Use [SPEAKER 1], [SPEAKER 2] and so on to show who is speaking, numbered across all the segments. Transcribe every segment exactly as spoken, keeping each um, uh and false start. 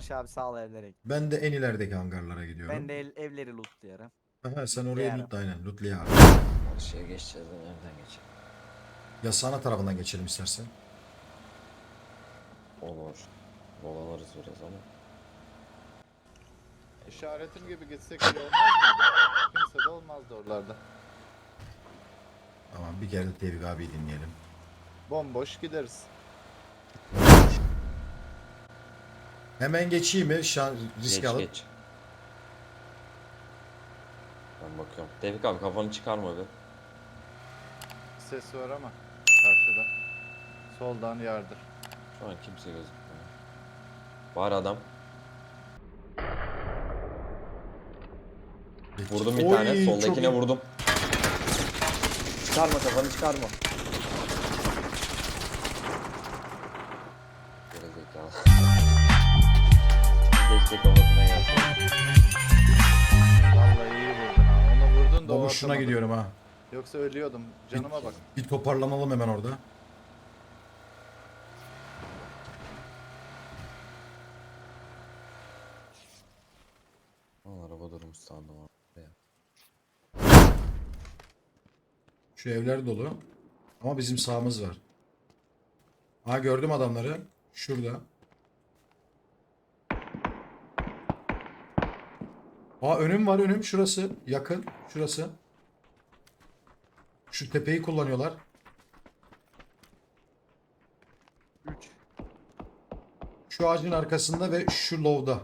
[SPEAKER 1] Barış abi sağ ol evlere.
[SPEAKER 2] Ben de en ilerideki hangarlara gidiyorum.
[SPEAKER 1] Ben de el, evleri lootluyorum.
[SPEAKER 2] Aha, sen oraya
[SPEAKER 1] Lootlayarım.
[SPEAKER 2] loot aynen lootlayar.
[SPEAKER 3] Karşıya geçeceğiz de nereden geçelim?
[SPEAKER 2] Ya sana tarafından geçelim istersen.
[SPEAKER 3] Olur. Dolanırız biraz ama.
[SPEAKER 4] İşaretim gibi gitsek iyi olmaz mıydı? Kimse de olmazdı oralarda.
[SPEAKER 2] Tamam bir kere de Tevfik abiyi dinleyelim.
[SPEAKER 4] Bomboş gideriz.
[SPEAKER 2] Hemen geçeyim mi? Şan, risk
[SPEAKER 3] Geç
[SPEAKER 2] alıp.
[SPEAKER 3] geç. Ben bakıyorum. Tevfik abi kafanı çıkarma be.
[SPEAKER 4] Ses var ama karşıda. Soldan yardır.
[SPEAKER 3] Şu an kimse gözükmüyor. Var adam. Vurdum bir
[SPEAKER 2] Oy,
[SPEAKER 3] tane.
[SPEAKER 2] çok
[SPEAKER 3] Soldakine
[SPEAKER 2] iyi.
[SPEAKER 3] vurdum. Çıkarma kafanı çıkarma. Gerizekalı. Keşke kafasına gelse.
[SPEAKER 4] Vallahi iyi vurdun ha. Onu vurdun da o
[SPEAKER 2] Baba şuna
[SPEAKER 4] atamadı.
[SPEAKER 2] gidiyorum ha.
[SPEAKER 4] Yoksa ölüyordum. Canıma bak.
[SPEAKER 2] Bir toparlanalım hemen orada.
[SPEAKER 3] Al araba durmuş sandım abi.
[SPEAKER 2] Şu evler dolu. Ama bizim sağımız var. Ha gördüm adamları. Şurada. Aa önüm var önüm. Şurası. Yakın. Şurası. Şu tepeyi kullanıyorlar.
[SPEAKER 1] üç.
[SPEAKER 2] Şu ağacın arkasında ve şu low'da.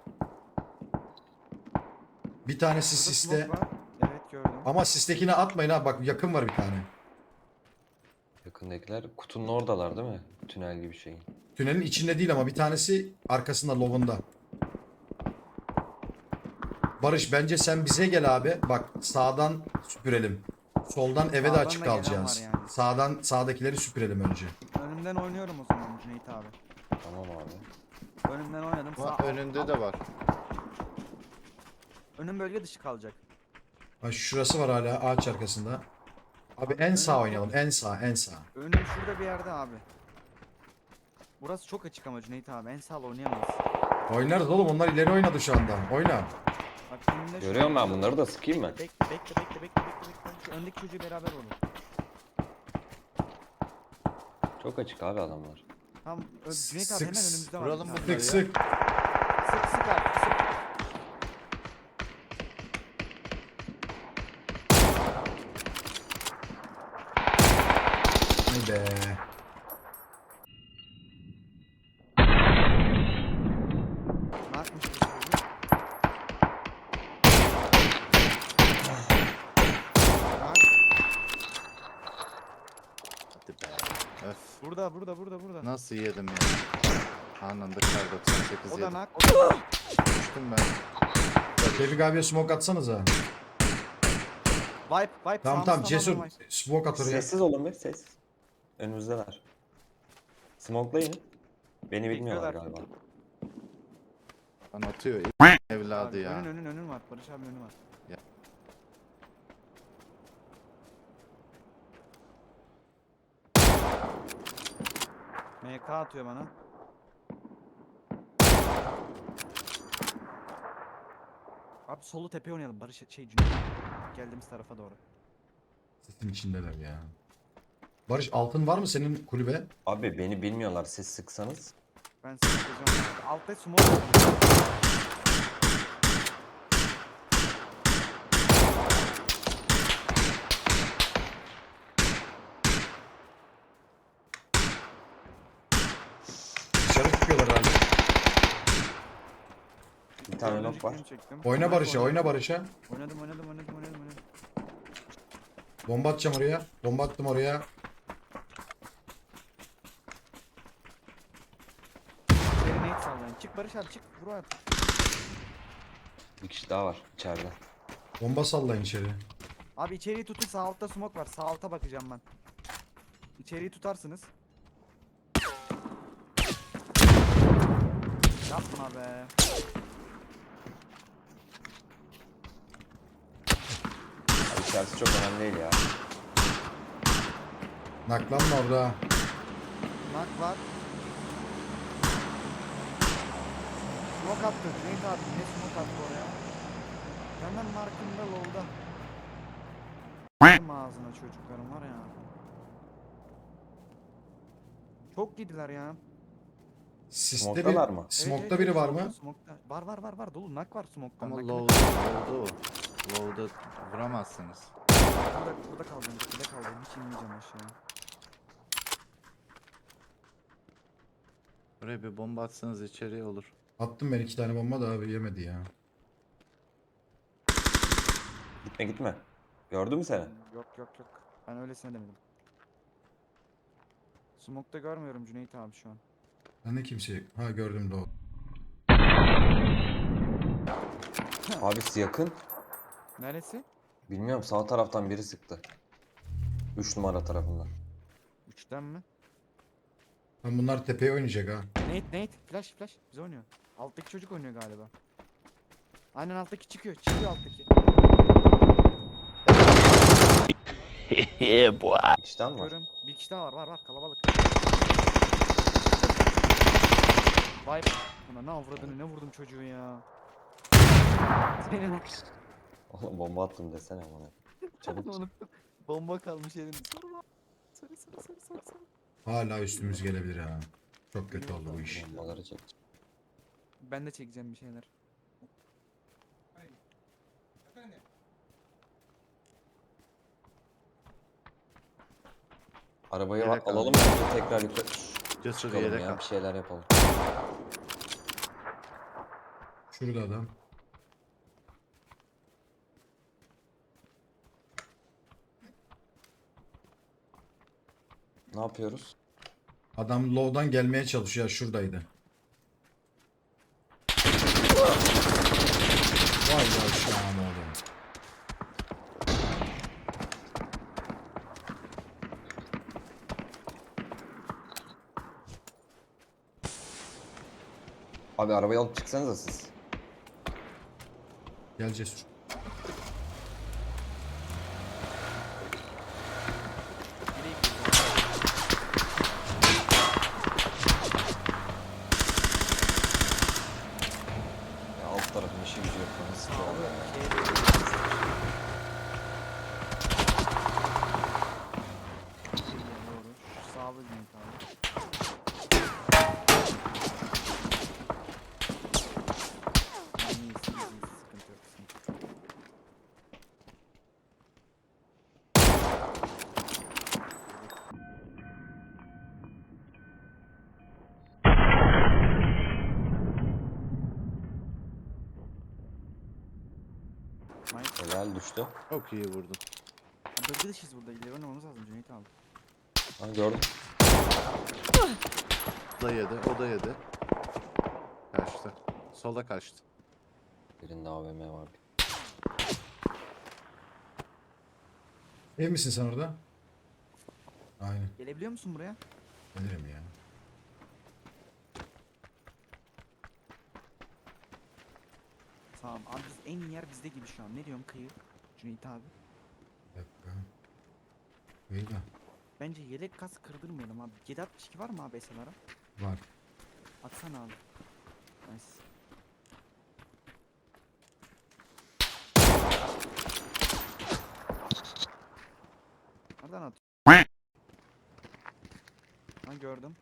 [SPEAKER 2] Bir tanesi siste.
[SPEAKER 1] Evet gördüm.
[SPEAKER 2] Ama sistekine atmayın ha. Bak yakın var bir tane.
[SPEAKER 3] Yakındakiler kutunun oradalar değil mi? Tünel gibi şeyin.
[SPEAKER 2] Tünelin içinde değil ama bir tanesi arkasında low'unda. Barış bence sen bize gel abi. Bak sağdan süpürelim. Soldan eve de
[SPEAKER 1] Sağdan
[SPEAKER 2] açık
[SPEAKER 1] da gelen
[SPEAKER 2] kalacağız.
[SPEAKER 1] var yani.
[SPEAKER 2] Sağdan sağdakileri süpürelim önce.
[SPEAKER 1] Önümden oynuyorum o zaman Cüneyt abi.
[SPEAKER 3] Tamam abi.
[SPEAKER 1] Önümden oynadım.
[SPEAKER 4] Ama
[SPEAKER 1] Sağ,
[SPEAKER 4] önünde de var.
[SPEAKER 1] Önüm bölge dışı kalacak.
[SPEAKER 2] Ha şurası var hala ağaç arkasında. Abi en sağ oynayalım. En sağ, en sağ.
[SPEAKER 1] Önüm şurada bir yerde abi. Burası çok açık ama Cüneyt abi. En sağ oynayamayız.
[SPEAKER 2] Oynarız oğlum. Onlar ileri oynadı şu anda. Oyna.
[SPEAKER 1] Bak önümde şu-
[SPEAKER 3] Görüyorum ben bunları da sıkayım mı?
[SPEAKER 1] Bekle bekle bekle bekle bekle bekle. Şu öndeki çocuğu beraber vurun.
[SPEAKER 3] Çok açık abi adamlar.
[SPEAKER 1] Tamam Ö- Cüneyt abi
[SPEAKER 2] Sık-
[SPEAKER 1] hemen önümüzde var.
[SPEAKER 4] vuralım
[SPEAKER 1] bir tane.
[SPEAKER 4] bunları
[SPEAKER 2] Sık
[SPEAKER 4] ya.
[SPEAKER 2] sık.
[SPEAKER 1] Sık sık abi sık.
[SPEAKER 2] Ay be.
[SPEAKER 1] Ne yapmış bu çocuğu? Bak,
[SPEAKER 4] Hadi be. Öf.
[SPEAKER 1] burada burada burada burada.
[SPEAKER 4] Nasıl yedim ya. Anında kar doksan sekiz
[SPEAKER 1] O da
[SPEAKER 4] yedim.
[SPEAKER 1] nak. O da nak.
[SPEAKER 4] Düştüm ben.
[SPEAKER 2] Tevfik abiye smoke atsanıza.
[SPEAKER 1] Vibe vibe.
[SPEAKER 2] Tamam
[SPEAKER 1] sağımız
[SPEAKER 2] tamam Cesur.
[SPEAKER 1] tamamen vibe.
[SPEAKER 2] Smoke at oraya.
[SPEAKER 3] Sessiz olun be ses. Önümüzdeler. Smoke'layın. Beni bilmiyorlar
[SPEAKER 1] Bekliyorlar.
[SPEAKER 3] galiba.
[SPEAKER 4] Lan atıyor. Evladı
[SPEAKER 1] Abi,
[SPEAKER 4] ya.
[SPEAKER 1] Önün önün önün var. Barış abi önü var.
[SPEAKER 4] Ya.
[SPEAKER 1] M K atıyor bana. Abi solu tepe oynayalım. Barış şey Cüneyt. Geldiğimiz tarafa doğru.
[SPEAKER 2] Sesin içindeler ya. Barış altın var mı senin kulübe?
[SPEAKER 3] Abi beni bilmiyorlar siz sıksanız.
[SPEAKER 1] Ben size yapacağım. Altta smoke var.
[SPEAKER 2] Dışarı çıkıyorlar hala.
[SPEAKER 3] Bir tane
[SPEAKER 1] Dördüncü
[SPEAKER 3] nok var.
[SPEAKER 1] kilimi çektim.
[SPEAKER 2] Oyna Barış'a,
[SPEAKER 1] Oynadım,
[SPEAKER 2] oyna Barış'a.
[SPEAKER 1] Oynadım oynadım oynadım oynadım oynadım.
[SPEAKER 2] Bomba atacağım oraya. Bomba attım oraya.
[SPEAKER 1] İçeri nade sallayın. Çık Barış abi çık. Vur abi.
[SPEAKER 3] Bir kişi daha var içeride.
[SPEAKER 2] Bomba sallayın içeri.
[SPEAKER 1] Abi içeriği tutun, sağ altta smoke var. Sağ alta bakacağım ben. İçeriği tutarsınız. Yapma be.
[SPEAKER 3] Abi içerisi çok önemli değil ya.
[SPEAKER 2] Naklanma orada.
[SPEAKER 1] Nak var. Smoke attı. Cüneyt abi ne smoke attı oraya? Hemen markında lolda. Benim ağzına çocuklarım var ya. Çok gidiler ya.
[SPEAKER 2] Siste bir,
[SPEAKER 3] Smoke'dalar mı?
[SPEAKER 1] Evet,
[SPEAKER 2] smoke'ta
[SPEAKER 1] evet,
[SPEAKER 2] biri
[SPEAKER 1] evet,
[SPEAKER 2] var
[SPEAKER 1] smoke'ta,
[SPEAKER 2] mı?
[SPEAKER 1] smoke'ta. Var var var var dolu nak var smoke'ta.
[SPEAKER 4] Ama
[SPEAKER 1] Nakı-
[SPEAKER 4] low'da, low'da o. Low'da vuramazsınız.
[SPEAKER 1] Burada, burada kaldım, burada kaldım. Hiç inmeyeceğim aşağıya.
[SPEAKER 4] Buraya bir bomba atsanız içeriye olur.
[SPEAKER 2] Attım ben iki tane bomba da abi yemedi ya.
[SPEAKER 3] Gitme gitme. Gördü mü seni?
[SPEAKER 1] Yok yok yok. Ben öylesine demedim. Smoke'ta görmüyorum Cüneyt abi şu an.
[SPEAKER 2] Ben de kimse... Ha gördüm de o.
[SPEAKER 3] Abisi yakın.
[SPEAKER 1] Neresi?
[SPEAKER 3] Bilmiyorum sağ taraftan biri sıktı. üç numara tarafından.
[SPEAKER 1] Üçten mi?
[SPEAKER 2] Lan bunlar tepeye oynayacak ha.
[SPEAKER 1] Nate Nate flash flash bize oynuyor. Alttaki çocuk oynuyor galiba. Aynen alttaki çıkıyor. Çıkıyor alttaki.
[SPEAKER 3] İşten mi var?
[SPEAKER 1] Görün. Bir kişi daha var var var kalabalık. Vay buna ne avradını ne vurdum çocuğu ya. Senin
[SPEAKER 3] Oğlum bomba attım desene bana. Çabuk.
[SPEAKER 1] unuttum. Bomba kalmış elinde. Sarı sarı sarı sarı sarı sarı.
[SPEAKER 2] Hala üstümüz gelebilir ha. Çok kötü oldu bu iş.
[SPEAKER 3] Bombaları çek.
[SPEAKER 1] Ben de çekeceğim bir şeyler.
[SPEAKER 3] Arabayı
[SPEAKER 4] Yelek
[SPEAKER 3] alalım
[SPEAKER 4] aldım.
[SPEAKER 3] bence tekrar yukarı
[SPEAKER 4] Cesur
[SPEAKER 3] çıkalım
[SPEAKER 4] yelek
[SPEAKER 3] ya
[SPEAKER 4] al.
[SPEAKER 3] bir şeyler yapalım.
[SPEAKER 2] Şurada adam.
[SPEAKER 3] Ne yapıyoruz?
[SPEAKER 2] Adam low'dan gelmeye çalışıyor. Şuradaydı. Vay yavşağım oğlum.
[SPEAKER 3] Abi arabayı alıp çıksanıza siz.
[SPEAKER 2] Gel Cesur.
[SPEAKER 3] Ya alt tarafın işi gücü yok. Nasıl
[SPEAKER 1] Sağ ol.
[SPEAKER 3] ya?
[SPEAKER 1] Şey Doğru. Şu sağlı Cüneyt abi. Yani iyiyiz, iyiyiz, iyiyiz. Sıkıntı yok, sıkıntı yok. Nice.
[SPEAKER 3] Helal düştü.
[SPEAKER 4] Çok iyi vurdun.
[SPEAKER 1] Bölge dışıyız burada. İleri oynamamız lazım Cüneyt abi.
[SPEAKER 3] Ha gördüm.
[SPEAKER 4] O da yedi, o da yedi. Kaçtı. Sola kaçtı.
[SPEAKER 3] Birinde A V M var.
[SPEAKER 2] Ev misin sen orada? Aynen.
[SPEAKER 1] Gelebiliyor musun buraya?
[SPEAKER 2] Gelirim ya.
[SPEAKER 1] Tamam abi biz en iyi yer bizde gibi şu an. Ne diyorsun kıyı? Cüneyt abi.
[SPEAKER 2] Bir dakika. İyi de.
[SPEAKER 1] Bence yelek kas kırdırmayalım abi. yedi altmış iki var mı abi S L R'a?
[SPEAKER 2] Var.
[SPEAKER 1] Atsana abi. Nice. Nereden at? Ha gördüm.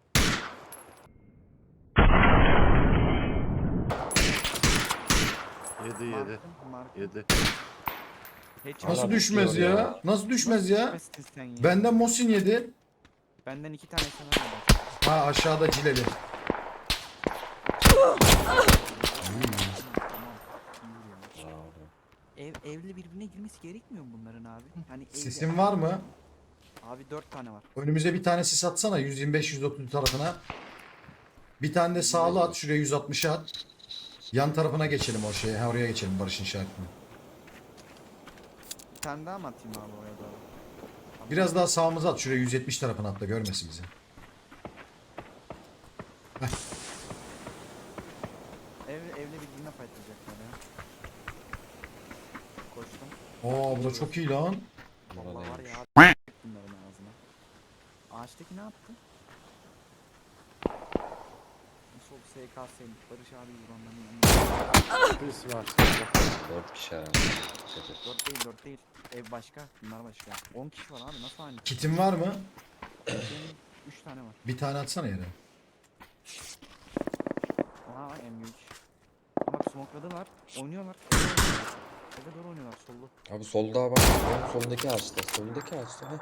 [SPEAKER 4] Yedi, yedi.
[SPEAKER 1] Markım, markım.
[SPEAKER 4] Yedi.
[SPEAKER 1] Headshot.
[SPEAKER 2] Nasıl
[SPEAKER 3] Hala
[SPEAKER 2] düşmez
[SPEAKER 3] tutuyor
[SPEAKER 2] ya?
[SPEAKER 3] ya.
[SPEAKER 2] Nasıl düşmez ya?
[SPEAKER 1] düşmezsin sen ya?
[SPEAKER 2] Benden Mosin yedi.
[SPEAKER 1] Benden iki tane S L R var.
[SPEAKER 2] Ha aşağıda Cileli.
[SPEAKER 1] Tamam. iyi ya.
[SPEAKER 3] Bravo.
[SPEAKER 1] Ev, evle birbirine girmesi gerekmiyor mu bunların abi? Hani evle-
[SPEAKER 2] Sisin var mı?
[SPEAKER 1] Abi dört tane var.
[SPEAKER 2] Önümüze bir tane sis atsana yüz yirmi beş yüz otuz tarafına. Bir tane de sağlı at şuraya yüz altmışa at. Yan tarafına geçelim o şeye. Ha oraya geçelim Barış'ın işaretine.
[SPEAKER 1] Bir tane daha mı atayım abi oraya doğru?
[SPEAKER 2] Biraz daha sağımıza at şuraya yüz yetmiş tarafına at da görmesin bizi.
[SPEAKER 1] Ev, evle birbirine fightlayacaklar ya. Koştum.
[SPEAKER 2] Oo bu da çok iyi lan.
[SPEAKER 1] Vallahi var
[SPEAKER 3] Buradaymış.
[SPEAKER 1] ya abi bunların ağzına. Ağaçtaki ne yaptı? Nasıl sol S K S Barış abi vuranların yanında.
[SPEAKER 4] Birisi var solda.
[SPEAKER 3] Dört kişi herhalde. Dikkat et.
[SPEAKER 1] dört değil dört değil. Ev başka. Bunlar başka. on kişi var abi nasıl aynı?
[SPEAKER 2] Kitin var mı?
[SPEAKER 1] Benim üç tane var.
[SPEAKER 2] Bir tane atsana yere.
[SPEAKER 1] Aha M üç. Bak smokladılar. Oynuyorlar. Eve oynuyorlar. Eve doğru oynuyorlar sollu.
[SPEAKER 3] Abi solda bak. Oğlum soldaki ağaçta. Soldaki ağaçta. Heh.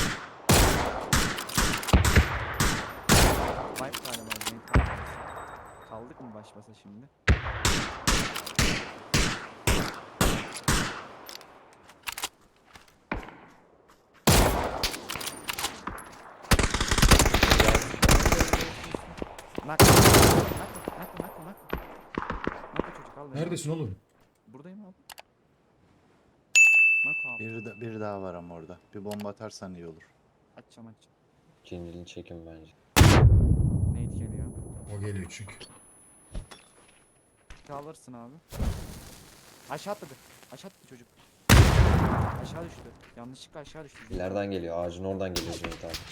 [SPEAKER 1] Vibe galiba. Cenk kaldı. Kaldık mı baş basa şimdi? Nak. Nak. Nak. Nak. Nak. Nak çocuk al beni.
[SPEAKER 2] Neredesin oğlum?
[SPEAKER 1] Buradayım abi. Nak abi.
[SPEAKER 4] Biri, de, biri daha var ama orada. Bir bomba atarsan iyi olur.
[SPEAKER 1] Açacağım açacağım.
[SPEAKER 3] Cincilini çekin bence.
[SPEAKER 1] Nate geliyor.
[SPEAKER 2] O geliyor çünkü.
[SPEAKER 1] Alırsın abi. Aşağı atladı. Aşağı atladı çocuk. Aşağı düştü. Yanlışlıkla aşağı düştü.
[SPEAKER 3] İleriden geliyor. Ağacın oradan geliyor Cüneyt abi.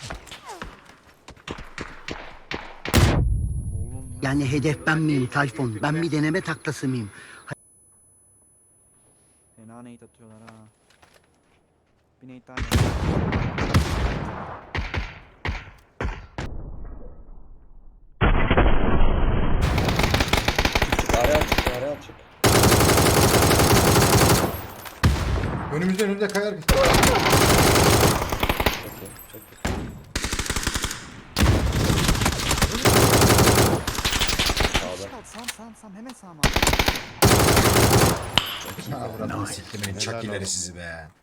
[SPEAKER 1] Oğlum.
[SPEAKER 5] Yani hedef ben miyim Tayfun? Ben bir deneme taklası mıyım?
[SPEAKER 1] Fena nade atıyorlar ha. Bir nade daha geldi.
[SPEAKER 3] Araya çık. Araya çık.
[SPEAKER 2] Önümüzde önümüzde kayar.
[SPEAKER 3] Çok iyi. Çok iyi. Sağda.
[SPEAKER 1] Kal sam sam sam hemen sağma.
[SPEAKER 2] Ha buranın siktimin
[SPEAKER 4] Helal
[SPEAKER 2] çakileri
[SPEAKER 4] olsun.
[SPEAKER 2] sizi be.